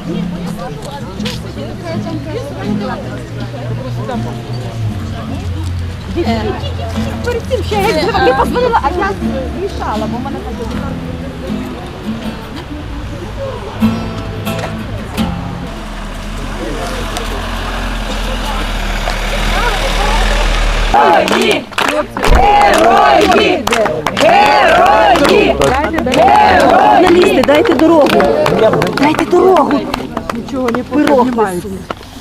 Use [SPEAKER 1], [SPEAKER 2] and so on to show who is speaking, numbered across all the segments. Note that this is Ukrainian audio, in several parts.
[SPEAKER 1] Перед цим ще я позвонила, а я мішала, бо в мене так.
[SPEAKER 2] Герої! Герої! Герої!
[SPEAKER 1] Журналісти, дайте дорогу. Дайте дорогу. Нічого не піднімається.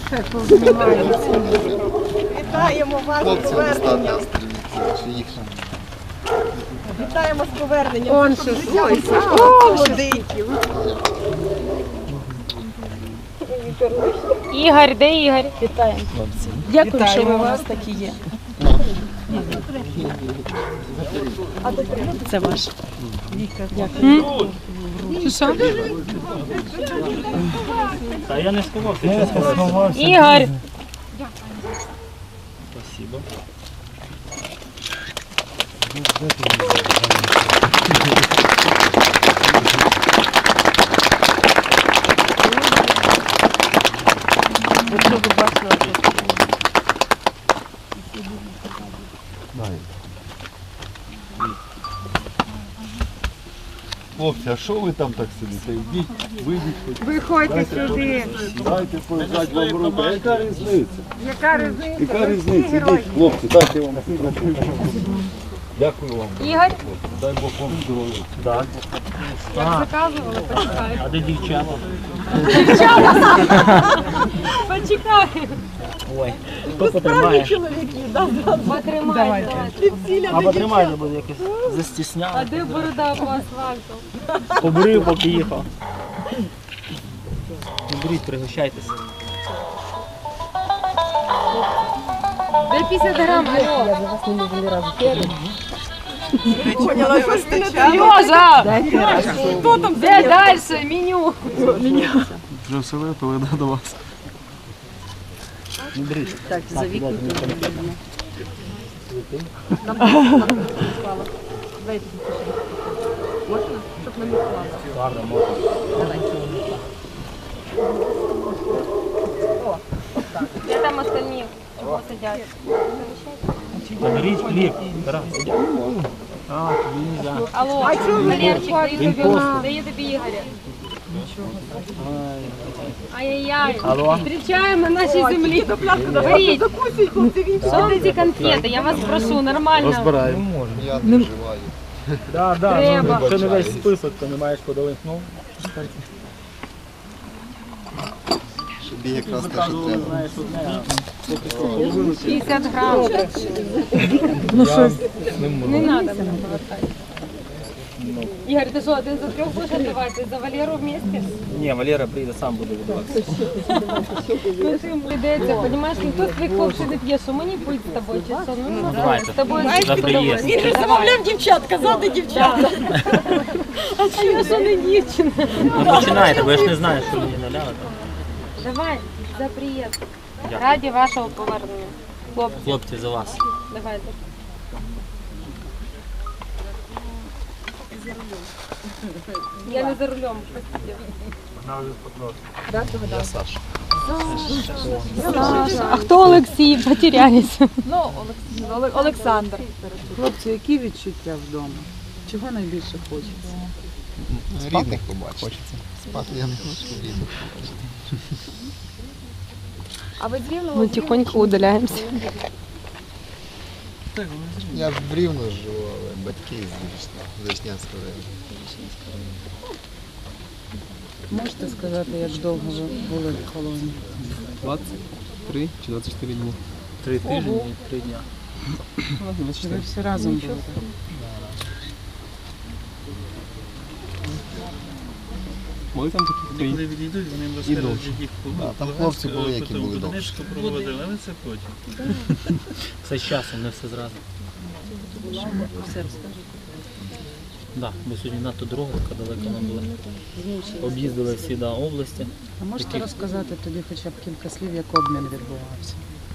[SPEAKER 3] Вітаємо вас з поверненням. Вітаємо з поверненням.
[SPEAKER 1] Он
[SPEAKER 3] Щоб
[SPEAKER 1] ще
[SPEAKER 3] життя
[SPEAKER 1] ой,
[SPEAKER 3] було молоденьким.
[SPEAKER 2] Ігор, де Ігор?
[SPEAKER 1] Вітаємо. Дякую, що ви у вас такі є. Це ваш. Дякую.
[SPEAKER 2] Що?
[SPEAKER 4] Та я не сховався.
[SPEAKER 2] Ігор!
[SPEAKER 4] Спасибо.
[SPEAKER 1] Якщо ви бачили,
[SPEAKER 5] Хлопці, а що ви там так сидите? Йдіть, вийдіть хоч.
[SPEAKER 1] виходьте сюди.
[SPEAKER 5] Дайте пожати вам руку. А яка різниця?
[SPEAKER 1] Яка різниця?
[SPEAKER 5] Яка різниця? Йдіть, хлопці, дайте вам. Дякую вам.
[SPEAKER 2] Ігор?
[SPEAKER 5] Дай Бог вам здоров'я.
[SPEAKER 4] Так.
[SPEAKER 2] Заказували, почекай.
[SPEAKER 4] А де дівчата?
[SPEAKER 2] Почекай.
[SPEAKER 4] Ой, хто потримає?
[SPEAKER 3] Чоловіки,
[SPEAKER 2] Потримай, давай.
[SPEAKER 4] А потримайте, бо якось застісняли.
[SPEAKER 2] А де борода по асфальту?
[SPEAKER 4] Побрив, поки їхав. Ну, беріть, пригощайтеся.
[SPEAKER 2] Де 50 грам? Алло.
[SPEAKER 3] поняла, що вистачає.
[SPEAKER 2] Льоза! Хто там? Де далі? Меню.
[SPEAKER 5] Вже все випили, до вас.
[SPEAKER 4] Ну, беріть.
[SPEAKER 1] Так, за віку. Можна? Щоб не мікувала.
[SPEAKER 4] Ладно, можна.
[SPEAKER 2] Де там остальні? Чого сидять?
[SPEAKER 4] Та беріть хліб. Тарас, іди. А, тобі не можна.
[SPEAKER 2] Алло, Валерчик,
[SPEAKER 4] Він просто.
[SPEAKER 2] дає тобі Ігоря. Ай-яй-яй.
[SPEAKER 4] Алло.
[SPEAKER 2] Зустрічаємо на нашій землі. Беріть.
[SPEAKER 3] Закусіть, хлопці, він
[SPEAKER 2] Що ви ці конфети? Я вас прошу, нормально.
[SPEAKER 5] Розбираємо.
[SPEAKER 3] Я не вживаю.
[SPEAKER 4] Да, да,
[SPEAKER 2] Треба.
[SPEAKER 4] ну, якщо не весь список, то не маєш куди линкнув.
[SPEAKER 3] Собі якраз те, що треба.
[SPEAKER 4] Знаєш, одне, а
[SPEAKER 2] 50 грам. Ну що? Не треба. Ігор, ти що, один за трьох будеш віддавати? За Валеру вместе?
[SPEAKER 4] Ні, Валера прийде, сам буде віддаватися.
[SPEAKER 2] Ну ти прийдеться, розумієш, ніхто з твоїх хлопців не п'є, що мені пить з тобою, чи що? Ну,
[SPEAKER 4] Давайте.
[SPEAKER 2] з тобою
[SPEAKER 4] За приїзд.
[SPEAKER 3] Він же замовляв дівчат, казати дівчата.
[SPEAKER 2] А що я що не дівчина?
[SPEAKER 4] Ну починайте, бо я ж не знаю, що мені наляли.
[SPEAKER 2] Давай, за приїзд.
[SPEAKER 4] Дякую.
[SPEAKER 2] Раді вашого повернення. Хлопці,
[SPEAKER 4] Хлопці, за вас.
[SPEAKER 2] давайте. Я не за рулем. А хто Олексій? Потерялись.
[SPEAKER 1] Олександр. Хлопці, які відчуття вдома? Чого найбільше хочеться?
[SPEAKER 3] Рідних побачити. Хочеться. Спати я не хочу, рідних побачити.
[SPEAKER 2] Ми тихонько удаляємося.
[SPEAKER 3] Я в Рівно живу, але батьки з Вишнянського району.
[SPEAKER 1] Можете сказати, як довго ви були в колонії?
[SPEAKER 6] 23 чи 24 дні.
[SPEAKER 4] 3 тижні і 3 дня.
[SPEAKER 1] Ви всі разом були?
[SPEAKER 6] Були там такі
[SPEAKER 7] Коли відійдуть, вони їм
[SPEAKER 6] І
[SPEAKER 7] розкажуть,
[SPEAKER 6] довше.
[SPEAKER 7] що їх
[SPEAKER 3] Там хлопці були, які були довше.
[SPEAKER 7] проводили, але це потім.
[SPEAKER 4] Все з часом, не все зразу.
[SPEAKER 1] Все розкажіть.
[SPEAKER 4] Да, бо сьогодні надто дорога така далека нам була. Об'їздили всі області.
[SPEAKER 1] А можете розказати тоді хоча б кілька слів, як обмін відбувався?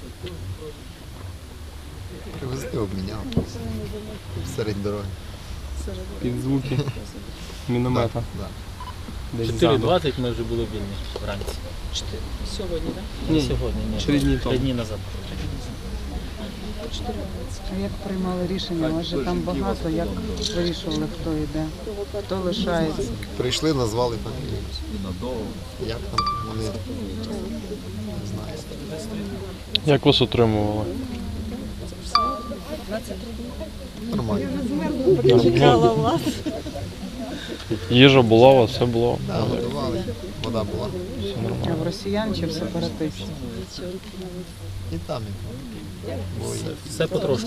[SPEAKER 3] Привезли, обміняв. Серед дороги.
[SPEAKER 6] під звуки міномета.
[SPEAKER 3] Да.
[SPEAKER 6] Десь заново.
[SPEAKER 4] 4:20 ми вже були вільні вранці.
[SPEAKER 1] Сьогодні, так?
[SPEAKER 4] Не
[SPEAKER 6] Ні.
[SPEAKER 4] сьогодні, ні.
[SPEAKER 6] 3 дні
[SPEAKER 4] 3
[SPEAKER 6] тому.
[SPEAKER 4] дні назад.
[SPEAKER 1] А як приймали рішення? У вас же там багато, як вирішували, хто йде, хто лишається?
[SPEAKER 3] Прийшли, назвали фамілію. Як там вони, не знаю.
[SPEAKER 8] Як вас отримували?
[SPEAKER 3] Нормально.
[SPEAKER 8] Їжа була у вас, все було.
[SPEAKER 3] Да, готували, вода була.
[SPEAKER 8] Все
[SPEAKER 1] А
[SPEAKER 8] нормально.
[SPEAKER 1] в росіян чи в сепаратистів?
[SPEAKER 3] І там, і там. Бо
[SPEAKER 4] Все потрошку.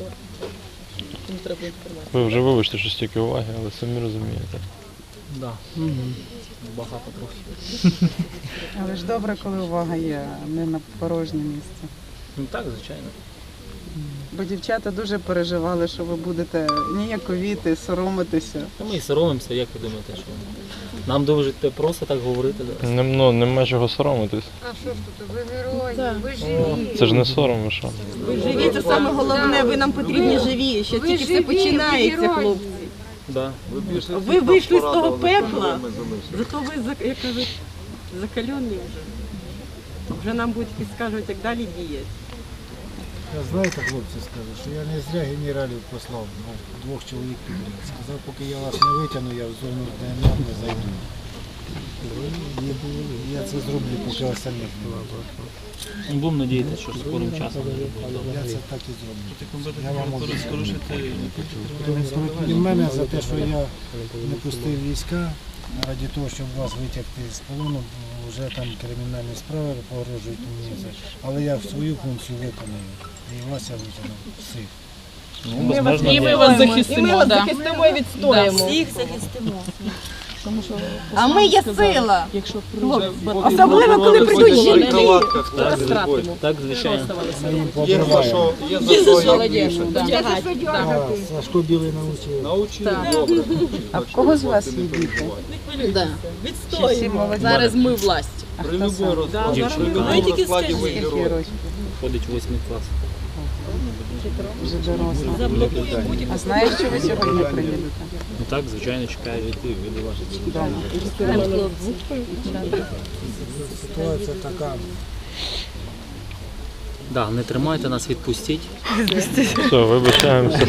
[SPEAKER 8] Ви вже вибачте, що стільки уваги, але самі розумієте.
[SPEAKER 4] Да. Багато трохи.
[SPEAKER 1] Але ж добре, коли увага є, а не на порожнє місце.
[SPEAKER 4] Ну так, звичайно.
[SPEAKER 1] Бо дівчата дуже переживали, що ви будете ніяковіти, соромитися.
[SPEAKER 4] Та ми і соромимося, як ви думаєте, що нам дуже просто так говорити зараз.
[SPEAKER 8] Нема чого соромитись.
[SPEAKER 2] А що ж тут, ви герої, ви живі.
[SPEAKER 8] Це ж не сором, ви що?
[SPEAKER 9] Живі, це саме головне, ви нам потрібні живі, ще
[SPEAKER 2] Ви
[SPEAKER 9] тільки все
[SPEAKER 2] живі,
[SPEAKER 9] починається,
[SPEAKER 2] ви герої.
[SPEAKER 9] хлопці.
[SPEAKER 4] Да.
[SPEAKER 9] Ви вийшли з того пекла, зато ви, як кажуть, закалені вже. Вже нам будуть підказувати, як далі діяти.
[SPEAKER 10] Знаєте, хлопці, скажу, що я не зря генералів послав, двох чоловік підряд. Сказав, поки я вас не витягну, я в зону ДНР не зайду. Я це зроблю, поки вас самих не буде.
[SPEAKER 4] Будемо надіятися, що скорим часом вже буде добре.
[SPEAKER 10] Я це так і зроблю.
[SPEAKER 7] Я вам скажу, що ти
[SPEAKER 10] Від мене за те, що я не пустив війська, раді того, щоб вас витягти з полону, вже там кримінальні справи погрожують мені. Але я свою функцію виконую. І вас я витягнув всіх.
[SPEAKER 4] Ну, безмежно
[SPEAKER 9] І ми
[SPEAKER 4] дякую.
[SPEAKER 9] вас захистимо і відстоїмо.
[SPEAKER 2] Всіх захистимо.
[SPEAKER 9] А ми є сила. Особливо, коли прийдуть жінки.
[SPEAKER 4] Так, звичайно.
[SPEAKER 10] Ми їм побриваємо. Сашко Білий навчив.
[SPEAKER 1] А в кого з вас є діти? Чи всі молоді?
[SPEAKER 9] Зараз ми власть.
[SPEAKER 1] А хто сам?
[SPEAKER 4] Дівчинка
[SPEAKER 1] Скільки років?
[SPEAKER 4] ходить в 8 клас.
[SPEAKER 1] Вже доросла. А знаєш, що ви сьогодні приїдете?
[SPEAKER 4] Ну так, звичайно, чекаю від ваших
[SPEAKER 1] Вдома.
[SPEAKER 10] Ситуація така.
[SPEAKER 4] Да, не тримайте нас, відпустіть.
[SPEAKER 8] Все, вибачаємося.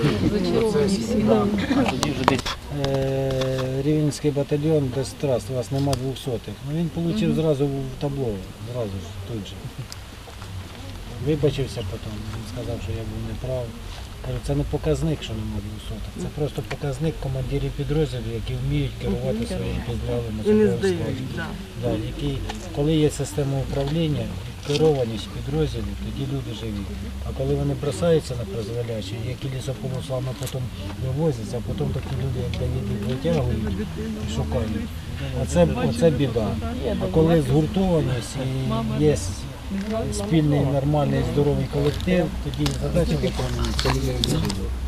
[SPEAKER 4] Тоді вже десь.
[SPEAKER 10] Рівненський батальйон без трас, у вас нема 200-х. Ну він отримав зразу в табло, зразу ж тут же. Вибачився потім, він сказав, що я був неправ. Кажу, це не показник, що нема 200-х, це просто показник командирів підрозділів, які вміють керувати своїм підрозділом. І не здають. Да, які, коли є система управління, керованість підрозділів, тоді люди живі. А коли вони бросаються на призволяще, які лісополослами потім вивозяться, а потім такі люди, як Давид, їх витягують і шукають. Оце біда. А коли згуртованість і є спільний, нормальний, здоровий колектив, тоді задача виконується.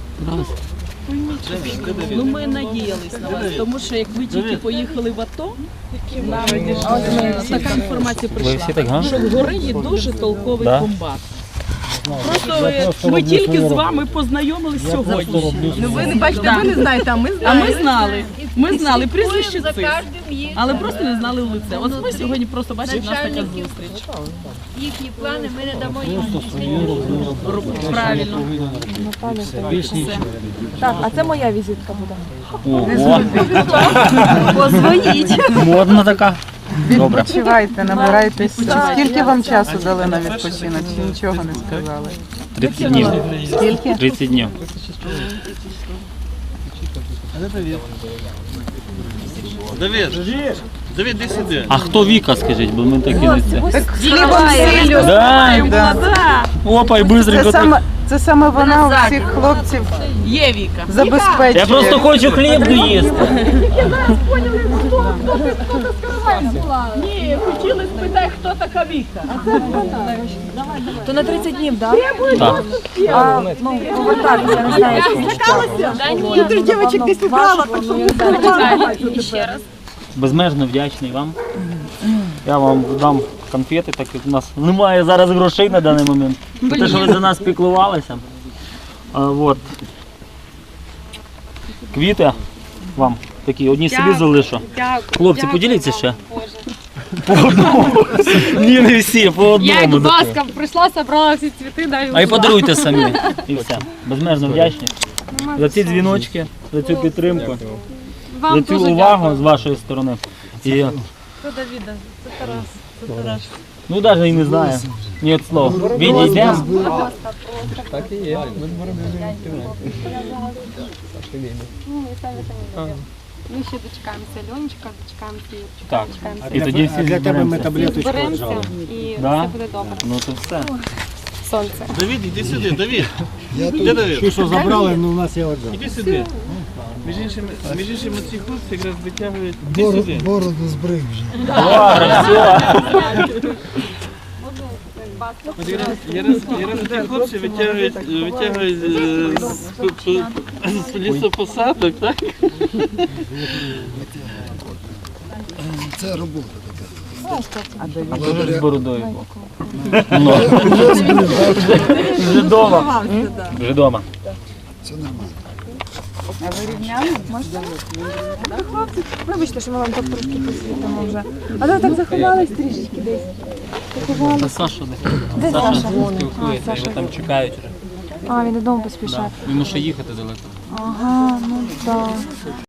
[SPEAKER 9] Ну ми надіялись на вас, тому що як ви тільки поїхали в АТО, нам така інформація
[SPEAKER 4] Ви
[SPEAKER 9] прийшла,
[SPEAKER 4] всі так, га?
[SPEAKER 9] що в гори є дуже толковий
[SPEAKER 4] Да?
[SPEAKER 9] комбат.
[SPEAKER 10] Я
[SPEAKER 9] Ми
[SPEAKER 10] роблю
[SPEAKER 9] тільки
[SPEAKER 10] свою
[SPEAKER 9] з
[SPEAKER 10] роботу.
[SPEAKER 9] вами познайомились
[SPEAKER 10] Я просто
[SPEAKER 9] сьогодні.
[SPEAKER 10] роблю свою
[SPEAKER 9] Ви не
[SPEAKER 10] роботу.
[SPEAKER 9] бачите, ви не знаєте, а ми знаємо. А ми знали. Ми знали прізвище
[SPEAKER 2] За
[SPEAKER 9] цих,
[SPEAKER 2] кожним їх.
[SPEAKER 9] але просто не знали лице. От ми сьогодні просто бачите, в нас така зустріч.
[SPEAKER 2] Їхні плани ми не дамо їм.
[SPEAKER 10] Просто свою роблю.
[SPEAKER 9] Правильно.
[SPEAKER 10] І все, більш нічого.
[SPEAKER 2] Так, а це моя візитка буде.
[SPEAKER 4] Ого,
[SPEAKER 2] Позвоніть.
[SPEAKER 4] модна така. Добре.
[SPEAKER 1] Відпочивайте, набирайтесь. Скільки вам часу дали на відпочинок? Чи нічого не сказали?
[SPEAKER 4] 30 днів.
[SPEAKER 1] Скільки?
[SPEAKER 4] 30 днів.
[SPEAKER 7] Давид, іди сюди.
[SPEAKER 4] А хто Віка, скажіть, бо ми такі не це.
[SPEAKER 1] Так з хлібом сіллю.
[SPEAKER 4] Да. Опа, і бистренько так.
[SPEAKER 1] Це саме вона у всіх хлопців
[SPEAKER 9] Є Віка.
[SPEAKER 1] забезпечує.
[SPEAKER 4] Я просто хочу хліб доїсти.
[SPEAKER 9] Ні, хотіли спитати, хто така Віка.
[SPEAKER 2] То на 30 днів, так?
[SPEAKER 4] Так.
[SPEAKER 2] А, ну, повертатися, не знаю, що.
[SPEAKER 9] Ти дівчинок десь убрала, так що
[SPEAKER 2] І ще раз.
[SPEAKER 4] Безмежно вдячний вам. Я вам дам конфети, так як у нас немає зараз грошей на даний момент. За те, що ви за нас піклувалися. Вот. Квіти вам такі, одні собі залишу.
[SPEAKER 2] Дякую.
[SPEAKER 4] Хлопці,
[SPEAKER 2] дякую
[SPEAKER 4] поділіться
[SPEAKER 2] вам,
[SPEAKER 4] ще.
[SPEAKER 2] Боже.
[SPEAKER 4] По одному. Ні, не всі, по одному.
[SPEAKER 2] Я, будь
[SPEAKER 4] таке.
[SPEAKER 2] ласка, прийшла, собрала всі цвіти, даю.
[SPEAKER 4] А й подаруйте самі. І все. Безмежно вдячні. За ці дзвіночки, за цю підтримку, за
[SPEAKER 2] Вам
[SPEAKER 4] цю
[SPEAKER 2] дуже
[SPEAKER 4] увагу
[SPEAKER 2] дякую.
[SPEAKER 4] з вашої сторони. І,
[SPEAKER 2] Це Давіда, це Тарас, це Тарас.
[SPEAKER 4] ну навіть і не знаю. Ні від слова. Відійдемо.
[SPEAKER 6] Так і є. Ми будемо
[SPEAKER 2] Ну, і самі самі. Ми ще дочекаємося Льончика, дочекаємося Юрчика,
[SPEAKER 4] Так.
[SPEAKER 2] дочекаємося.
[SPEAKER 4] І тоді всі
[SPEAKER 10] Для тебе ми
[SPEAKER 4] зберемося.
[SPEAKER 10] таблеточку
[SPEAKER 2] Зберемося
[SPEAKER 10] віджали.
[SPEAKER 2] і
[SPEAKER 4] Да?
[SPEAKER 2] все буде добре.
[SPEAKER 4] Ну то все.
[SPEAKER 2] Сонце.
[SPEAKER 7] Давід, іди сюди, Давід.
[SPEAKER 3] Я
[SPEAKER 7] Де
[SPEAKER 3] тут
[SPEAKER 7] Давід?
[SPEAKER 10] Ті, що забрали, ну у нас є отжал.
[SPEAKER 7] Іди сюди. Між іншим, ці хлопці якраз витягують. Іди сюди.
[SPEAKER 3] бороду збрив вже.
[SPEAKER 4] Добре, все.
[SPEAKER 7] От якраз ці хлопці витягують з лісопосадок, так?
[SPEAKER 3] Це робота така.
[SPEAKER 1] А
[SPEAKER 4] А то ж з бородою був. Ну. Вже вдома. Вже вдома.
[SPEAKER 3] Це нормально.
[SPEAKER 1] А ви рівняли? Можете?
[SPEAKER 2] Вибачте, що ми вам так трошки посвітимо вже. А то так заховались трішечки десь.
[SPEAKER 4] А Саша де?
[SPEAKER 2] Де
[SPEAKER 4] Саша
[SPEAKER 2] Саша?
[SPEAKER 4] спілкується, його там чекають вже.
[SPEAKER 2] А, він додому поспішає.
[SPEAKER 4] Йому ще їхати далеко.
[SPEAKER 2] Ага, ну так.